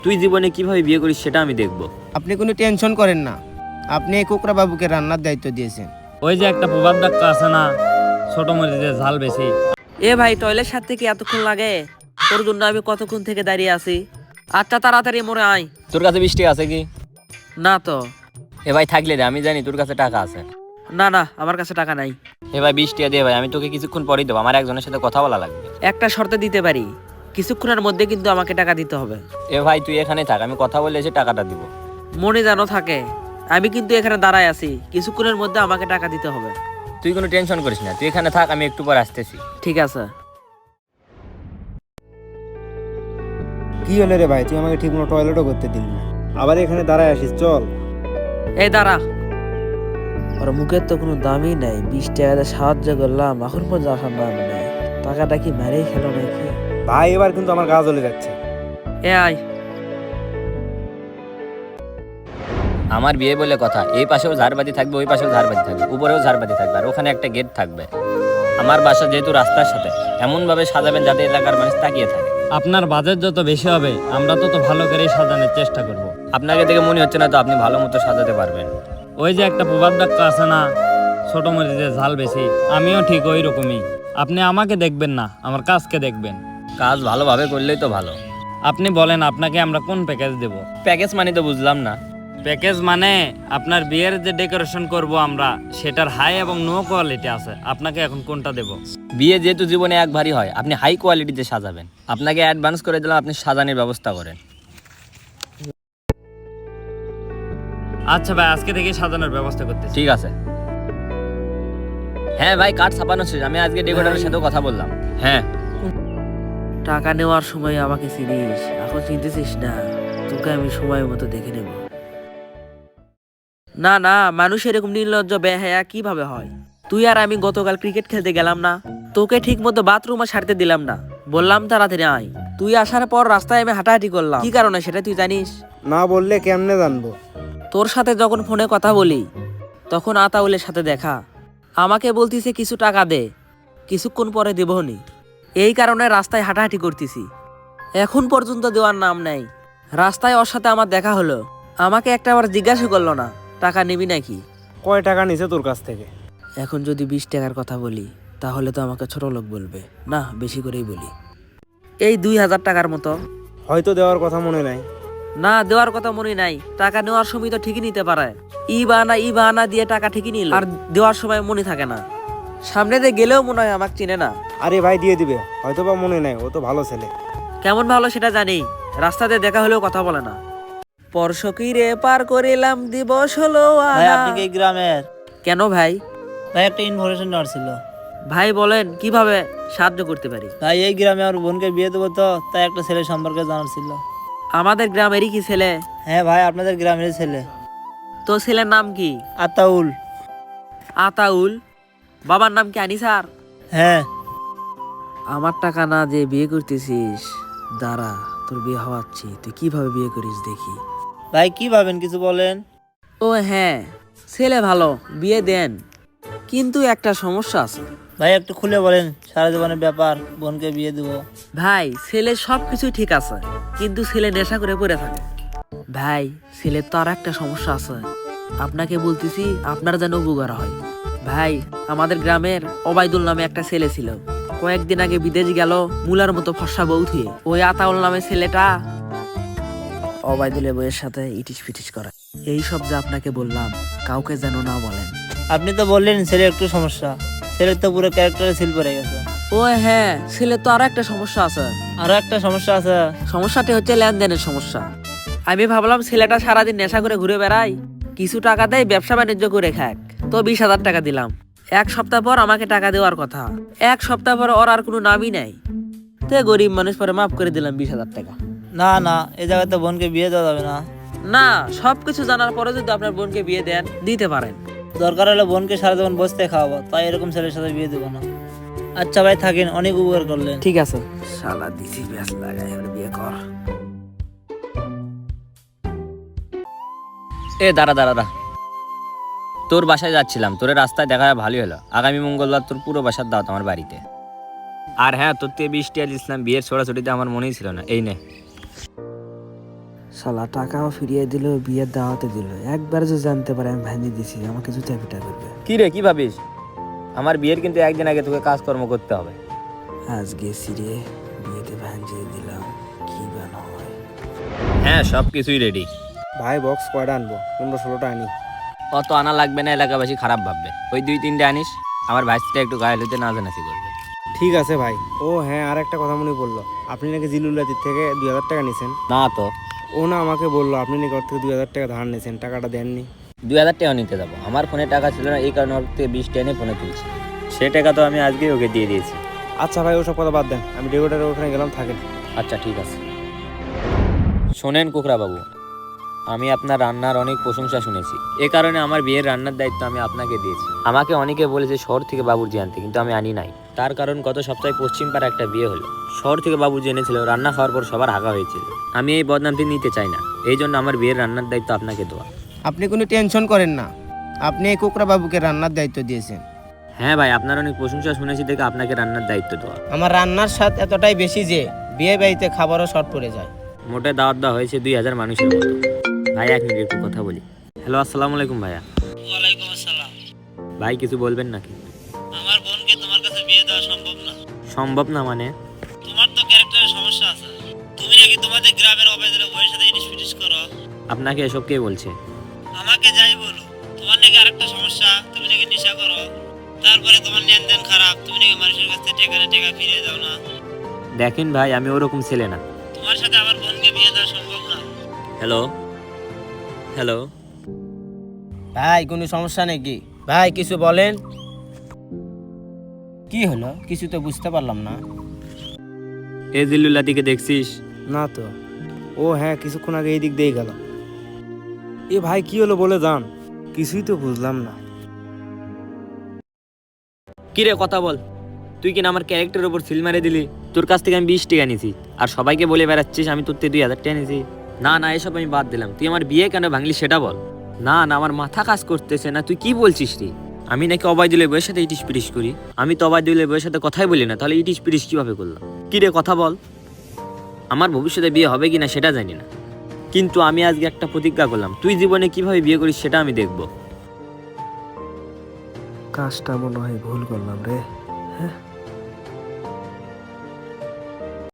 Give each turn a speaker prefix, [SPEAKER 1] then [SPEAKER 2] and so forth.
[SPEAKER 1] তুই জীবনে কিভাবে বিয়ে করিস সেটা আমি দেখবো।
[SPEAKER 2] আপনি কোনো টেনশন করেন না, আপনি এই কোকরা বাবুকে রান্নার দায়িত্ব দিয়েছেন।
[SPEAKER 3] ওই যে একটা প্রবাদ বাক্য আছে না, ছোট মরিচের ঝাল বেশি।
[SPEAKER 4] এ ভাই, টয়লেট সারতে কি এতক্ষণ লাগে? তোর জন্য আমি কতক্ষণ থেকে দাঁড়িয়ে আছি। আচ্ছা তাড়াতাড়ি মোরে আয়।
[SPEAKER 1] তোর কাছে 20 টাকা আছে কি?
[SPEAKER 4] না তো।
[SPEAKER 1] এ ভাই থাকলে রে, আমি জানি তোর কাছে টাকা আছে।
[SPEAKER 4] না না, আমার কাছে টাকা নাই।
[SPEAKER 1] এ ভাই 20 টাকা দে ভাই, আমি তোকে কিছুক্ষণ পরেই দেবো, আমার একজনের সাথে কথা বলা লাগবে।
[SPEAKER 4] একটা শর্তে দিতে পারি, কিছুক্ষণের মধ্যে কিন্তু আমাকে টাকা দিতে হবে।
[SPEAKER 1] এ ভাই তুই এখানে থাক, আমি কথা বলে এসে টাকাটা দিব।
[SPEAKER 4] মনে যেন থাকে, আমি কিন্তু এখানে দাঁড়ায় আছি, কিছুক্ষণের মধ্যে আমাকে টাকা দিতে হবে।
[SPEAKER 1] তুই কোনো টেনশন করিস না, তুই এখানে থাক, আমি একটু পর আসতেছি।
[SPEAKER 4] ঠিক আছে।
[SPEAKER 2] কি হলো রে ভাই, তুই আমাকে ঠিক মতো টয়লেটও করতে দিলি না, আবার এখানে দাঁড়ায় আসিস। চল।
[SPEAKER 4] এই দাঁড়া। ওর মুখের তো কোনো দামই নাই, 20 টাকাতে সাহায্য করলাম, এখন পর্যন্ত আসার নাম নেই। টাকাটা কি মেরেই খেলো নাকি?
[SPEAKER 2] ভাই এবার কিন্তু আমার গা জ্বলে যাচ্ছে।
[SPEAKER 4] এ আয়।
[SPEAKER 1] আমার বিয়ে বলে কথা, এই পাশেও ঝাড়বাতি থাকবে, ওই পাশেও ঝাড়বাতি থাকবে, উপরেও ঝাড়বাতি থাকবে, আর ওখানে একটা গেট থাকবে। আমার বাসা যেহেতু রাস্তার সাথে, এমন ভাবে সাজাবেন যাতে এলাকার মানুষ তাকিয়ে থাকে।
[SPEAKER 3] আপনার বাজেট যত বেশি হবে আমরা তত ভালো করে সাজানোর চেষ্টা করব।
[SPEAKER 1] আপনাকে দেখে মনে হচ্ছে না তো আপনি ভালো মতো সাজাতে পারবেন।
[SPEAKER 3] ওই যে একটা প্রবাদ বাক্য আছে না, ছোট মরিচের ঝাল বেশি। আমিও ঠিক ওই রকমই। আপনি আমাকে দেখবেন না, আমার কাজকে দেখবেন।
[SPEAKER 1] কাজ ভালোভাবে করলেই তো ভালো।
[SPEAKER 3] আপনি বলেন আপনাকে আমরা কোন প্যাকেজ দেব?
[SPEAKER 1] প্যাকেজ মানে তো বুঝলাম না।
[SPEAKER 3] প্যাকেজ মানে আপনার বিয়ের যে ডেকোরেশন করব আমরা, সেটার হাই এবং নো কোয়ালিটি আছে। আপনাকে এখন কোনটা দেব?
[SPEAKER 1] বিয়ে যেহেতু জীবনে একবারই হয়, আপনি হাই কোয়ালিটিতে সাজাবেন। আপনাকে অ্যাডভান্স করে দিলাম, আপনি সাজানোর ব্যবস্থা করেন।
[SPEAKER 3] আচ্ছা ভাই, আজকে থেকে সাজানোর ব্যবস্থা করতেছি।
[SPEAKER 1] ঠিক আছে। হ্যাঁ ভাই, কার্ড ছাপানো শেষ, আমি আজকে ডেকোরেটরের সাথেও কথা বললাম। হ্যাঁ
[SPEAKER 4] টাকা নেওয়ার সময় আমাকে চিনিস, এখন চিনতেছিস না? তোকে আমি সময় মতো দেখে নেব। না না, মানুষ এরকম নির্লজ্জ বেহায়া কিভাবে হয়? তুই আর আমি গতকাল ক্রিকেট খেলতে গেলাম না, তোকে ঠিক মতো বাথরুমে সারতে দিলাম না, বললাম তাড়াতাড়ি আয়। তুই আসার পর রাস্তায় আমি হাঁটাহাঁটি করলাম, কি কারণে সেটা তুই জানিস?
[SPEAKER 2] না বললে কেমনে জানবো?
[SPEAKER 4] তোর সাথে যখন ফোনে কথা বলি তখন আতাউলের সাথে দেখা, আমাকে বলতিছে কিছু টাকা দে, কিছুক্ষণ পরে দেবনি। এই কারণে রাস্তায় হাঁটাহাঁটি করতেছি, এখন পর্যন্ত দেওয়ার নাম নেই। রাস্তায় ওর সাথে আমার দেখা হলো, আমাকে একটা বার জিজ্ঞাসা করলো না টাকা নিবি নাকি।
[SPEAKER 2] কয় টাকা নিছে তোর কাছ থেকে?
[SPEAKER 4] এখন যদি 20 টাকার কথা বলি তাহলে তো আমাকে ছোট লোক বলবে, না বেশি করেই বলি। এই 2000 টাকার মতো।
[SPEAKER 2] হয়তো দেওয়ার কথা মনে নাই।
[SPEAKER 4] না, দেওয়ার কথা মনে নাই, টাকা নেওয়ার সময় তো ঠিকই নিতে পারে। ই বাহানা দিয়ে টাকা ঠিকই নিল, আর দেওয়ার সময় মনে থাকে না। সামনে দিয়ে গেলেও মনে হয় আমাকে চিনে না।
[SPEAKER 2] আরে ভাই দিয়ে দিবে, হয়তো বা মনে নাই, ও তো ভালো ছেলে।
[SPEAKER 4] কেমন ভালো সেটা জানি, রাস্তাতে দেখা হলেও কথা বলে না। পরশকিরে পার করিলাম দিবস হলো
[SPEAKER 5] ভাই আপনি কি এই গ্রামের?
[SPEAKER 4] কেন ভাই?
[SPEAKER 5] ভাই একটা ইনফরমেশন নেওয়ার ছিল।
[SPEAKER 4] ভাই বলেন, কিভাবে সাহায্য করতে পারি?
[SPEAKER 5] ভাই এই গ্রামে আমার বোনকে বিয়ে দেবো, তো তাই একটা ছেলে সম্পর্কে জানার ছিল।
[SPEAKER 4] আমাদের গ্রামেরই কি ছেলে?
[SPEAKER 5] হ্যাঁ ভাই, আপনাদের গ্রামের ছেলে।
[SPEAKER 4] তো ছেলের নাম কি?
[SPEAKER 5] আতাউল।
[SPEAKER 4] আতাউল? বাবার নাম কি আনিসার?
[SPEAKER 5] হ্যাঁ।
[SPEAKER 4] আমার টাকা না দিয়ে বিয়ে করতেছিস? দাঁড়া, তোর বিয়ে হওয়াচ্ছি, তুই কিভাবে বিয়ে করিস দেখি।
[SPEAKER 5] ভাই কি ভাবেন, কিছু বলেন।
[SPEAKER 4] ও হ্যাঁ, ছেলে ভালো, বিয়ে দেন, কিন্তু একটা সমস্যা আছে।
[SPEAKER 5] ভাই একটু খুলে বলেন, সারা জীবনের ব্যাপার, বোনকে বিয়ে দেবো।
[SPEAKER 4] ভাই ছেলে সবকিছু ঠিক আছে, কিন্তু ছেলে নেশা করে পড়ে থাকে। ভাই ছেলের তো আর একটা সমস্যা আছে, আপনাকে বলতেছি, আপনার যেন উপকার হয়। ভাই আমাদের গ্রামের ওবায়দুল নামে একটা ছেলে ছিল, কয়েকদিন আগে বিদেশ গেল মুলার মতো ফর্সা বউ থুয়ে। ওই আতাউল নামে ছেলেটা ওবায়দুলের বউয়ের সাথে ইটিস পিটিস করে। এই সব যে আপনাকে বললাম, কাউকে যেন না বলেন।
[SPEAKER 5] আপনি তো বললেন ছেলে একটু সমস্যা, ছেলের তো পুরো ক্যারেক্টারে সিল পড়ে গেছে।
[SPEAKER 4] ও হ্যাঁ, ছেলের তো আরো একটা সমস্যা আছে।
[SPEAKER 5] আরো একটা সমস্যা আছে?
[SPEAKER 4] সমস্যাটি হচ্ছে লেনদেনের সমস্যা। আমি ভাবলাম ছেলেটা সারাদিন নেশা করে ঘুরে বেড়ায়, কিছু টাকা দেয়, ব্যবসা বাণিজ্য করে খাক, তো 20,000 টাকা দিলাম। 1 সপ্তাহ পর আমাকে টাকা দেওয়ার কথা, 1 সপ্তাহ পর ওর আর কোনো নামই নাই। তো গরিব মানুষ পরে মাফ করে দিলাম 20,000 টাকা।
[SPEAKER 5] না না, এই জায়গাতে বোনকে বিয়ে দেওয়া যাবে না।
[SPEAKER 4] না, সবকিছু জানার পরে যদি আপনার বোনকে বিয়ে দেন, দিতে পারেন।
[SPEAKER 5] দরকার হলে বোনকে সারা জীবন বসতে খাওয়াবো, তাই এরকম ছেলের সাথে বিয়ে দেবো না। আচ্ছা ভাই থাকেন, অনেক উপকার করলেন।
[SPEAKER 4] ঠিক আছে। শালা দিছি ব্যাস লাগাই, এবার বিয়ে কর।
[SPEAKER 1] এ দাঁড়া দাঁড়া দাঁড়া, তোর বাসায় যাচ্ছিলাম, তোর রাস্তায় দেখা ভালোই হলো। আগামী মঙ্গলবার তোর পুরো বাসার দাওয়াত আমার বাড়িতে। আর হ্যাঁ, তোর 20 টাকা দিয়েছিলাম বিয়ের ছোড়াছুটিতে, আমার মনেই ছিল না, এই নে।
[SPEAKER 6] শালা টাকাও ফিরিয়ে দিল, বিয়ের দাওয়াতে দিল। একবার যে জানতে পারে আমি ভ্যানি দিছি, আমাকে জুতা পিটা করবে।
[SPEAKER 1] কি রে, কি ভাবিস? আমার বিয়ের কিন্তু একদিন আগে তোকে কাজকর্ম করতে হবে।
[SPEAKER 6] আজ গেছি রে, বিয়েতে ভ্যাঞ্জিয়ে দিলাম, কি বান হয়।
[SPEAKER 1] হ্যাঁ, সব কিছুই রেডি।
[SPEAKER 2] ভাই বক্স কয়টা আনবো? 15-16টা আনি।
[SPEAKER 1] অত আনা লাগবে না, এলাকাবাসী খারাপ ভাববে। ওই 2-3টে আনিস, আমার ভাইসটা একটু গায়ে হতে নাচানাচি করবে।
[SPEAKER 2] ঠিক আছে ভাই। ও হ্যাঁ, আর একটা কথা মনে পড়লো, আপনি নাকি জিলুল্লাতির থেকে 2000 টাকা নিছেন।
[SPEAKER 1] না তো,
[SPEAKER 2] ও না আমাকে বললো আপনি নাকি ওর থেকে 2000 টাকা ধার নিয়েছেন, টাকাটা দেননি।
[SPEAKER 1] 2000 টাকা নিতে যাবো? আমার ফোনে টাকা ছিল না, এই কারণে ওর থেকে 20 টাকা এনে ফোনে তুলছি। সে টাকা তো আমি আজকেই ওকে দিয়ে দিয়েছি।
[SPEAKER 2] আচ্ছা ভাই, ওসব কথা বাদ দেন, আমি ডেকোরেটারের ওখানে গেলাম, থাকেন।
[SPEAKER 1] আচ্ছা ঠিক আছে। শোনেন কোকরা বাবু, আমি আপনার রান্নার অনেক প্রশংসা শুনেছি, এ কারণে আমার বিয়ের রান্নার দায়িত্ব আমি আপনাকে দিয়েছি। আমাকে অনেকে বলেছে শহর থেকে বাবুর্চি আনতে, কিন্তু আমি আনি নাই। তার কারণ গত সপ্তাহে পশ্চিম পাড়া একটা বিয়ে হলো, শহর থেকে বাবুর্চি এনেছিল, রান্না খাওয়ার পর সবার হাগা হয়েছিল। আমি এই বদনামটি নিতে চাই না, এই জন্য আমার বিয়ের রান্নার দায়িত্ব আপনাকে দেওয়া।
[SPEAKER 7] আপনি কোনো টেনশন করেন না, আপনি এই কোকরা বাবুকে রান্নার দায়িত্ব দিয়েছেন।
[SPEAKER 1] হ্যাঁ ভাই, আপনার অনেক প্রশংসা শুনেছি দেখে আপনাকে রান্নার দায়িত্ব দেওয়া।
[SPEAKER 7] আমার রান্নার স্বাদ এতটাই বেশি যে বিয়ে বাড়িতে খাবারও শর্ট পড়ে যায়।
[SPEAKER 1] মোটে দাওয়াত দেওয়া হয়েছে 2000 মানুষের মতো। ভাই এক মিনিট একটু কথা বলি। হ্যালো, আসসালামু আলাইকুম ভাইয়া।
[SPEAKER 5] ওয়ালাইকুম আসসালাম।
[SPEAKER 1] ভাই কিছু বলবেন নাকি?
[SPEAKER 5] আমার বোনকে তোমার কাছে বিয়ে দেওয়া সম্ভব না।
[SPEAKER 1] সম্ভব না মানে?
[SPEAKER 5] তোমার তো ক্যারেক্টারের সমস্যা আছে। তুমি নাকি তোমাদের গ্রামের অবৈধ বউয়ের সাথে ইটিস পিটিস করো।
[SPEAKER 1] আপনাকে এসব কে বলছে?
[SPEAKER 5] আমাকে যাই বলো, তোমার নাকি আরেকটা সমস্যা, তুমি নাকি নেশা করো। তারপরে তোমার লেনদেন খারাপ, তুমি নাকি মানুষের কাছ থেকে টাকা ফিরিয়ে দাও না।
[SPEAKER 1] দেখেন ভাই, আমি ওরকম ছেলে না।
[SPEAKER 5] তোমার সাথে আমার বোনকে বিয়ে দেওয়া সম্ভব না।
[SPEAKER 1] হ্যালো হ্যালো,
[SPEAKER 7] ভাই কোনো সমস্যা নাকি? ভাই কিছু বলেন। কি হলো, কিছু তো বুঝতে পারলাম না।
[SPEAKER 1] এ জিল্লুল্লাদিকে দেখছিস?
[SPEAKER 2] না তো। ও হ্যাঁ, কিছুক্ষণ আগে এই দিক দিয়েই গেল। এ ভাই কি হলো বলে যান, কিছুই তো বুঝলাম না।
[SPEAKER 1] কি রে, কথা বল। তুই কিনা আমার ক্যারেক্টারের উপর সিল মারে দিলি। তোর কাছ থেকে আমি 20 টাকা নিয়েছি, আর সবাইকে বলে বেড়াচ্ছিস আমি তোর থেকে 2000 টাকা নিয়েছি। না না, এসব আমি বাদ দিলাম। তুই আমার বিয়ে কেন ভাঙলি সেটা বল। না না, আমার মাথা কাজ করতেছে না। তুই কি বলছিস রে? আমি নাকি অবায়দুলের বইয়ের সাথে ইটিস পিটিস করি? আমি তো অবায়দুলের বইয়ের সাথে কথাই বলি না, তাহলে ইটিস পিটিস কিভাবে করলাম? কি রে, কথা বল। আমার ভবিষ্যতে বিয়ে হবে কিনা সেটা জানি না, কিন্তু আমি আজকে একটা প্রতিজ্ঞা করলাম, তুই জীবনে কিভাবে বিয়ে করিস সেটা আমি দেখবো।
[SPEAKER 6] কাজটা মনে হয় ভুল করলাম রে। হ্যাঁ,